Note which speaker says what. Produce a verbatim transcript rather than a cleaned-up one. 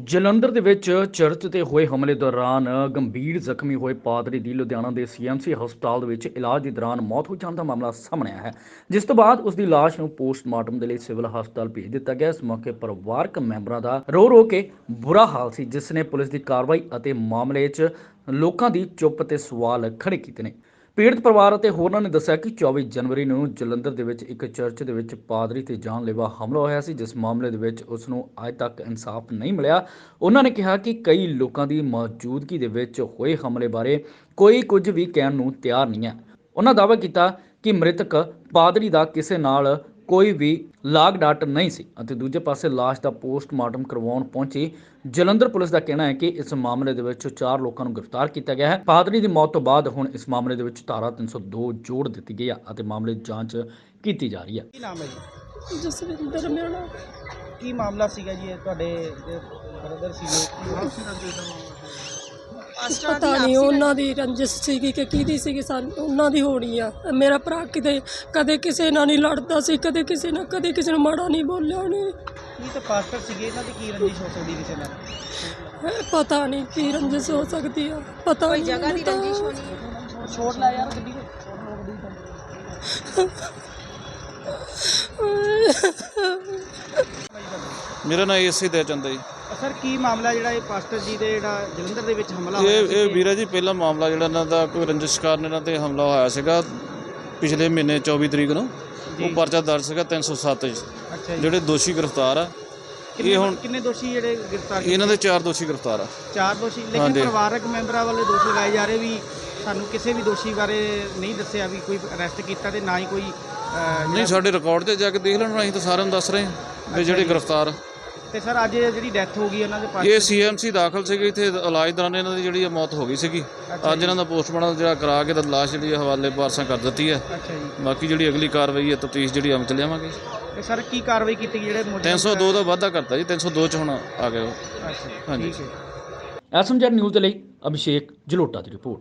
Speaker 1: ਜਲੰਧਰ ਦੇ ਵਿੱਚ ਚਰਚ ਤੇ ਹੋਏ ਹਮਲੇ ਦੌਰਾਨ ਗੰਭੀਰ ਜ਼ਖਮੀ ਹੋਏ ਪਾਦਰੀ ਦੀ ਲੁਧਿਆਣਾ ਦੇ ਸੀਐਮਸੀ ਹਸਪਤਾਲ ਦੇ ਵਿੱਚ ਇਲਾਜ ਦੇ ਦੌਰਾਨ ਮੌਤ ਹੋ ਜਾਣ ਦਾ ਮਾਮਲਾ ਸਾਹਮਣੇ ਆਇਆ ਹੈ, ਜਿਸ ਤੋਂ ਬਾਅਦ ਉਸ ਦੀ ਲਾਸ਼ ਨੂੰ ਪੋਸਟਮਾਰਟਮ ਦੇ ਲਈ ਸਿਵਲ ਹਸਪਤਾਲ ਭੇਜ ਦਿੱਤਾ ਗਿਆ। ਇਸ ਮੌਕੇ ਪਰਿਵਾਰਕ ਮੈਂਬਰਾਂ ਦਾ ਰੋ ਰੋ ਕੇ ਬੁਰਾ ਹਾਲ ਸੀ, ਜਿਸ ਨੇ ਪੁਲਿਸ ਦੀ ਕਾਰਵਾਈ ਅਤੇ ਮਾਮਲੇ 'ਚ ਲੋਕਾਂ ਦੀ ਚੁੱਪ ਤੇ ਸਵਾਲ ਖੜੇ ਕੀਤੇ ਨੇ। ਪੀੜਤ ਪਰਿਵਾਰ ਅਤੇ ਹੋਰਨਾਂ ਨੇ ਦੱਸਿਆ ਕਿ ਚੌਵੀ ਜਨਵਰੀ ਨੂੰ ਜਲੰਧਰ ਦੇ ਵਿੱਚ ਇੱਕ ਚਰਚ ਦੇ ਵਿੱਚ ਪਾਦਰੀ ਤੇ ਜਾਨਲੇਵਾ ਹਮਲਾ ਹੋਇਆ ਸੀ, ਜਿਸ ਮਾਮਲੇ ਦੇ ਵਿੱਚ ਉਸ ਨੂੰ ਅਜੇ ਤੱਕ ਇਨਸਾਫ ਨਹੀਂ ਮਿਲਿਆ। ਉਹਨਾਂ ਨੇ ਕਿਹਾ ਕਿ ਕਈ ਲੋਕਾਂ ਦੀ ਮੌਜੂਦਗੀ ਦੇ ਵਿੱਚ ਹੋਏ ਹਮਲੇ ਬਾਰੇ ਕੋਈ ਕੁਝ ਵੀ ਕਹਿਣ ਨੂੰ ਤਿਆਰ ਨਹੀਂ ਹੈ। ਉਹਨਾਂ ਦਾਅਵਾ ਕੀਤਾ ਕਿ ਮ੍ਰਿਤਕ ਪਾਦਰੀ ਦਾ ਕਿਸੇ ਨਾਲ ਕੋਈ ਵੀ ਲਾਗ ਡਾਟ ਨਹੀਂ ਸੀ ਅਤੇ ਦੂਜੇ ਪਾਸੇ ਲਾਸ਼ ਦਾ ਪੋਸਟਮਾਰਟਮ ਕਰਵਾਉਣ ਪਹੁੰਚੀ ਜਲੰਧਰ ਪੁਲਿਸ ਦਾ ਕਹਿਣਾ ਹੈ ਕਿ ਇਸ ਮਾਮਲੇ ਦੇ ਵਿੱਚ ਚਾਰ ਲੋਕਾਂ ਨੂੰ ਗ੍ਰਿਫਤਾਰ ਕੀਤਾ ਗਿਆ ਹੈ। ਪਾਦਰੀ ਦੀ ਮੌਤ ਤੋਂ ਬਾਅਦ ਹੁਣ ਇਸ ਮਾਮਲੇ ਦੇ ਵਿੱਚ ਧਾਰਾ ਤਿੰਨ ਸੌ ਦੋ ਜੋੜ ਦਿੱਤੀ ਗਈ ਹੈ ਅਤੇ ਮਾਮਲੇ ਦੀ ਜਾਂਚ ਕੀਤੀ ਜਾ ਰਹੀ ਹੈ।
Speaker 2: ਕੀ ਨਾਮ ਹੈ ਜੀ?
Speaker 3: ਜਸਵਿੰਦਰ ਮੇਰਾ
Speaker 2: ਕੀ ਮਾਮਲਾ ਸੀਗਾ ਜੀ? ਇਹ ਤੁਹਾਡੇ ਬ੍ਰਦਰ ਸੀਗੇ,
Speaker 3: ਪਤਾ ਨਹੀਂ ਉਹਨਾਂ ਦੀ ਰੰਜਿਸ਼ ਸੀਗੀ ਕਿ ਕਿਹਦੀ ਸੀਗੀ, ਸਾਨੂੰ ਉਹਨਾਂ ਦੀ ਹੋਣੀ ਆ। ਮੇਰਾ ਭਰਾ ਕਿਤੇ ਕਦੇ ਕਿਸੇ ਨਾਲ ਨਹੀਂ ਲੜਦਾ ਸੀ, ਕਦੇ ਕਿਸੇ ਨਾਲ ਕਦੇ ਕਿਸੇ ਨੂੰ ਮਾੜਾ ਨਹੀਂ ਬੋਲਿਆ ਉਹਨੇ।
Speaker 2: ਇਹ ਤਾਂ ਪਾਸਟਰ ਸੀਗੇ, ਇਹਨਾਂ ਦੀ ਕੀ ਰੰਜਿਸ਼ ਹੋ ਸਕਦੀ ਕਿਸੇ ਨਾਲ?
Speaker 3: ਇਹ ਪਤਾ ਨਹੀਂ ਕੀ ਰੰਜਿਸ਼ ਹੋ ਸਕਦੀ ਆ, ਪਤਾ ਨਹੀਂ ਜਗ੍ਹਾ ਦੀ ਰੰਜਿਸ਼ ਹੋਣੀ।
Speaker 2: ਛੋੜ ਲੈ ਯਾਰ ਗੱਡੀ ਨੂੰ।
Speaker 4: ਮੇਰਾ ਨਾਮ ਏਸੀ ਦੇ ਚੰਦਾ ਜੀ।
Speaker 2: ਸਰ ਕੀ ਮਾਮਲਾ ਜਿਹੜਾ ਇਹ ਪਾਸਟਰ ਜੀ ਦੇ ਜਿਹੜਾ ਜਲੰਧਰ ਦੇ ਵਿੱਚ ਹਮਲਾ
Speaker 4: ਇਹ
Speaker 2: ਹੋਇਆ
Speaker 4: ਇਹ ਵੀਰਾ ਜੀ ਪਹਿਲਾ ਮਾਮਲਾ ਜਿਹੜਾ ਇਹਨਾਂ ਦਾ ਕੋਈ ਰੰਜਿਸ਼ ਕਾਰਨ ਇਹਨਾਂ ਤੇ ਹਮਲਾ ਹੋਇਆ ਸੀਗਾ ਪਿਛਲੇ ਮਹੀਨੇ ਚੌਵੀ ਤਰੀਕ ਨੂੰ। ਉਹ ਪਰਚਾ ਦਰਜ ਸੀਗਾ ਤਿੰਨ ਸੌ ਸੱਤ 'ਚ।
Speaker 2: ਅੱਛਾ ਜੀ।
Speaker 4: ਜਿਹੜੇ ਦੋਸ਼ੀ ਗ੍ਰਿਫਤਾਰ ਆ ਇਹ ਹੁਣ
Speaker 2: ਕਿੰਨੇ ਦੋਸ਼ੀ ਜਿਹੜੇ ਗ੍ਰਿਫਤਾਰ?
Speaker 4: ਇਹਨਾਂ ਦੇ ਚਾਰ ਦੋਸ਼ੀ ਗ੍ਰਿਫਤਾਰ ਆ।
Speaker 2: ਚਾਰ ਦੋਸ਼ੀ, ਲੇਕਿਨ
Speaker 4: ਹਾਂਜੀ।
Speaker 2: ਪਰਿਵਾਰਕ ਮੈਂਬਰਾਂ ਵੱਲੋਂ ਦੋਸ਼ ਲਗਾਏ ਜਾ ਰਹੇ ਵੀ ਸਾਨੂੰ ਕਿਸੇ ਵੀ ਦੋਸ਼ੀ ਬਾਰੇ ਨਹੀਂ ਦੱਸਿਆ ਵੀ ਕੋਈ ਅਰੈਸਟ ਕੀਤਾ ਤੇ ਨਾ ਹੀ ਕੋਈ ਅਹ,
Speaker 4: ਨਹੀਂ, ਸਾਡੇ ਰਿਕਾਰਡ ਤੇ ਜਾ ਕੇ ਦੇਖ ਲੈਣ, ਅਸੀਂ ਤਾਂ ਸਾਰਿਆਂ ਨੂੰ ਦੱਸ ਰਹੇ ਹਾਂ ਵੀ ਜਿਹੜੇ ਗ੍ਰਿਫਤਾਰ ਆ।
Speaker 2: ਤੇ ਸਰ ਅੱਜ ਜਿਹੜੀ ਡੈਥ ਹੋ ਗਈ ਉਹਨਾਂ ਦੇ ਪਾਸ
Speaker 4: ਇਹ ਸੀਐਮਸੀ ਦਾਖਲ ਸੀਗੇ ਇੱਥੇ, ਇਲਾਜ ਦੌਰਾਨ ਇਹਨਾਂ ਦੀ ਜਿਹੜੀ ਮੌਤ ਹੋ ਗਈ ਸੀਗੀ। ਅੱਜ ਇਹਨਾਂ ਦਾ ਪੋਸਟਮਾਰਟਮ ਜਿਹੜਾ ਕਰਾ ਕੇ ਤਾਂ ਲਾਸ਼ ਜਿਹੜੀ ਹਵਾਲੇ ਵਾਰਸਾਂ ਕਰ ਦਿੱਤੀ ਹੈ।
Speaker 2: ਅੱਛਾ ਜੀ।
Speaker 4: ਬਾਕੀ ਜਿਹੜੀ ਅਗਲੀ ਕਾਰਵਾਈ ਹੈ ਤਫਤੀਸ਼ ਜਿਹੜੀ ਅਮਲ ਚ ਲਿਆਵਾਂਗੇ।
Speaker 2: ਤੇ ਸਰ ਕੀ ਕਾਰਵਾਈ ਕੀਤੀ ਗਈ ਜਿਹੜੇ ਮੁਲਜ਼ਮ?
Speaker 4: ਤਿੰਨ ਸੌ ਦੋ ਦਾ ਵਾਧਾ ਕਰਤਾ ਜੀ, ਤਿੰਨ ਸੌ ਦੋ 'ਚ ਹੁਣ ਆ ਗਏ ਉਹ।
Speaker 2: ਅੱਛਾ
Speaker 4: ਹਾਂਜੀ।
Speaker 2: ਠੀਕ ਹੈ।
Speaker 1: ਐਸਐਮਜੀ ਨਿਊਜ਼ ਦੇ ਲਈ ਅਭਿਸ਼ੇਕ ਜਲੋਟਾ ਦੀ ਰਿਪੋਰਟ।